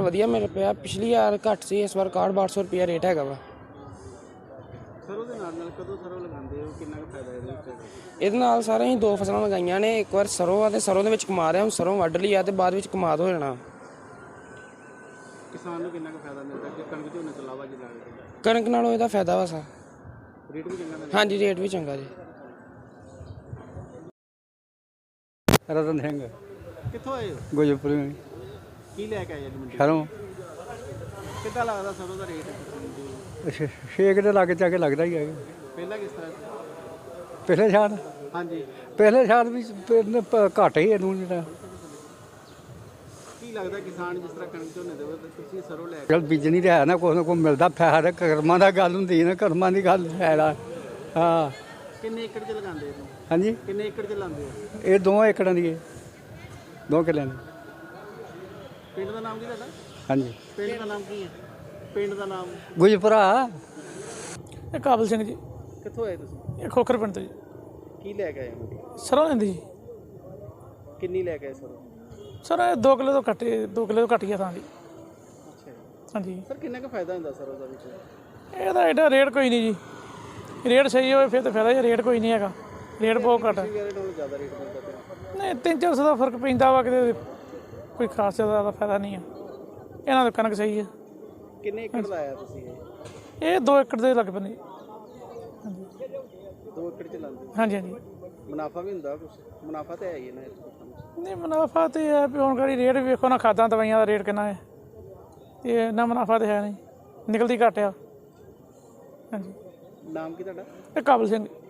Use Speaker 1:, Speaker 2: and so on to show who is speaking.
Speaker 1: ਵਧੀਆ ਮਿਲ ਪਿਆ। ਪਿਛਲੀ ਵਾਰ ਘੱਟ ਸੀ, ਇਸ ਵਾਰ 61-6200 ਰੁਪਇਆ ਰੇਟ ਹੈਗਾ ਵਾ।
Speaker 2: ਸਰੋਂ ਦੇ ਨਾਲ ਕਦੋਂ ਸਰੋਂ ਲਗਾਉਂਦੇ ਹੋ, ਕਿੰਨਾ ਕੁ ਫਾਇਦਾ ਇਹਦੇ ਵਿੱਚ?
Speaker 1: ਇਹਦੇ ਨਾਲ ਸਾਰੇ ਅਸੀਂ 2 ਫਸਲਾਂ ਲਗਾਈਆਂ ਨੇ। ਇੱਕ ਵਾਰ ਸਰੋਂ ਆ ਤੇ ਸਰੋਂ ਦੇ ਵਿੱਚ ਕਮਾਦ ਆ, ਹੁਣ ਸਰੋਂ ਵੱਢ ਲਈ ਆ ਤੇ ਬਾਅਦ ਵਿੱਚ ਕਮਾਦ ਹੋ ਜਾਣਾ।
Speaker 2: ਕਿਸਾਨ ਨੂੰ ਕਿੰਨਾ ਕੁ ਫਾਇਦਾ ਮਿਲਦਾ ਕਿ ਕਣਕ ਝੋਨੇ ਤੋਂ ਇਲਾਵਾ ਜੇ ਲਾਵੇ?
Speaker 1: ਕਣਕ ਨਾਲੋਂ ਇਹਦਾ ਫਾਇਦਾ ਵਾ ਸਾ।
Speaker 2: ਰੇਟ ਵੀ ਚੰਗਾ?
Speaker 1: ਹਾਂਜੀ, ਰੇਟ ਵੀ ਚੰਗਾ ਜੀ।
Speaker 3: ਰਤਨ ਸਿੰਘ
Speaker 2: ਕਿੱਥੋਂ ਆਏ ਹੋ?
Speaker 3: ਗੋਜਪੁਰ
Speaker 2: ਕੀ ਲੈ ਕੇ ਆਏ ਜੀ ਮੰਡੀ?
Speaker 3: ਸ਼ਰੋਂ
Speaker 2: ਕਿੱਦਾਂ ਲੱਗਦਾ ਸਰੋਂ ਦਾ ਰੇਟ?
Speaker 3: ਛੇਕ ਦੇ ਲਾਗੇ ਜਾ ਕੇ ਲੱਗਦਾ ਹੀ ਹੈ।
Speaker 2: ਪਹਿਲਾਂ ਕਿਸ ਤਰ੍ਹਾਂ?
Speaker 3: ਪਿਛਲੇ ਸਾਲ
Speaker 2: ਹਾਂਜੀ,
Speaker 3: ਪਿਛਲੇ ਸਾਲ ਵੀ ਘੱਟ ਹੀ ਇਹਨੂੰ ਜਿਹੜਾ
Speaker 2: ਕੀ ਲੱਗਦਾ ਕਿਸਾਨ ਜਿਸ ਤਰ੍ਹਾਂ ਕਣਕ ਝੋਨੇ ਦੇਵੇ ਤਾਂ ਤੁਸੀਂ ਸਰੋਂ ਲੈ ਕੇ
Speaker 3: ਚਲ ਬੀਜਣੀ ਤਾਂ ਹੈ ਨਾ, ਕੁਛ ਨਾ ਕੁਛ ਮਿਲਦਾ ਫਾਇਦਾ। ਕਰਮਾਂ ਦਾ ਗੱਲ ਹੁੰਦੀ ਨਾ, ਕਰਮਾਂ ਦੀ ਗੱਲ ਫਾਇਦਾ। ਹਾਂ।
Speaker 2: ਕਿੰਨੇ ਏਕੜ 'ਚ ਲਗਾਉਂਦੇ ਹੋ?
Speaker 3: ਹਾਂਜੀ,
Speaker 2: ਕਿੰਨੇ ਏਕੜ 'ਚ ਲਾਉਂਦੇ ਹੋ?
Speaker 3: ਇਹ 2 ਏਕੜਾਂ ਦੀ ਹੈ, 2 ਕਿੱਲਿਆਂ ਦੀ।
Speaker 2: ਪਿੰਡ ਦਾ ਨਾਮ ਕੀ ਤੁਹਾਡਾ?
Speaker 3: ਹਾਂਜੀ,
Speaker 2: ਪਿੰਡ ਦਾ ਨਾਮ ਕੀ ਹੈ? ਪਿੰਡ ਦਾ ਨਾਮ?
Speaker 3: ਗੁਜਪੁਰਾ।
Speaker 4: ਇਹ ਕਾਬਲ ਸਿੰਘ ਜੀ।
Speaker 2: ਕਿੱਥੋਂ ਆਏ ਤੁਸੀਂ?
Speaker 4: ਇਹ ਖੋਖਰ ਪਿੰਡ ਤੋਂ ਜੀ।
Speaker 2: ਕੀ ਲੈ ਕੇ ਆਏ ਮੰਡੀ?
Speaker 4: ਸਰੋਂ ਲੈਂਦੀ ਜੀ।
Speaker 2: ਕਿੰਨੀ ਲੈ ਕੇ ਆਏ ਸਰੋਂ?
Speaker 4: ਸਰ ਇਹ 2 ਕਿਲੋ ਤੋਂ ਘੱਟ, 2 ਕਿਲੋ ਤੋਂ ਘੱਟ ਗਿਆ ਥਾਂ ਦੀ।
Speaker 2: ਅੱਛਾ ਜੀ।
Speaker 4: ਹਾਂਜੀ,
Speaker 2: ਸਰ ਕਿੰਨਾ ਕੁ ਫਾਇਦਾ ਹੁੰਦਾ ਸਰੋਂ ਦਾ ਵਿੱਚ?
Speaker 4: ਇਹਦਾ ਐਡਾ ਰੇਟ ਕੋਈ ਨਹੀਂ ਜੀ। ਰੇਟ ਸਹੀ ਹੋਵੇ ਫਿਰ ਤਾਂ ਫਾਇਦਾ ਹੀ, ਰੇਟ ਕੋਈ ਨਹੀਂ ਹੈਗਾ। ਰੇਟ ਬਹੁਤ ਘੱਟ ਹੈ।
Speaker 2: ਪਿਛਲੀ ਵਾਰ ਨਾਲੋਂ ਜ਼ਿਆਦਾ ਰੇਟ ਮਿਲਦਾ ਪਿਆ?
Speaker 4: ਨਹੀਂ, 300-400 ਦਾ ਫਰਕ ਪੈਂਦਾ ਵਾ, ਕਿਤੇ ਕੋਈ ਖਾਸ ਜ਼ਿਆਦਾ ਫਾਇਦਾ ਨਹੀਂ ਹੈ। ਇਹਨਾਂ ਦਾ ਕਣਕ ਸਹੀ ਹੈ।
Speaker 2: ਕਿੰਨੇ ਏਕੜ ਲਾਇਆ ਤੁਸੀਂ
Speaker 4: ਇਹ 2 ਏਕੜ ਦੇ ਲੱਗ ਪੈਂਦੇ।
Speaker 2: 2 ਏਕੜ 'ਚ ਲਾਉਂਦੇ?
Speaker 4: ਹਾਂਜੀ ਹਾਂਜੀ।
Speaker 2: ਮੁਨਾਫਾ ਵੀ ਹੁੰਦਾ ਕੁਛ? ਮੁਨਾਫਾ ਤਾਂ ਹੈ ਹੀ ਨਾ ਇਸ ਕੰਮ 'ਚ।
Speaker 4: ਨਹੀਂ, ਮੁਨਾਫਾ ਤਾਂ ਹੈ ਵੀ ਹੁਣ ਕਰੀ ਰੇਟ ਵੇਖੋ ਨਾ, ਖਾਦਾਂ ਦਵਾਈਆਂ ਦਾ ਰੇਟ ਕਿੰਨਾ ਹੈ, ਤੇ ਇੰਨਾ ਮੁਨਾਫਾ ਤਾਂ ਹੈ ਨਹੀਂ, ਨਿਕਲਦੀ ਘੱਟ ਆ। ਹਾਂਜੀ।
Speaker 2: ਨਾਮ ਕੀ ਤੁਹਾਡਾ?
Speaker 4: ਇਹ ਕਾਬਲ ਸਿੰਘ।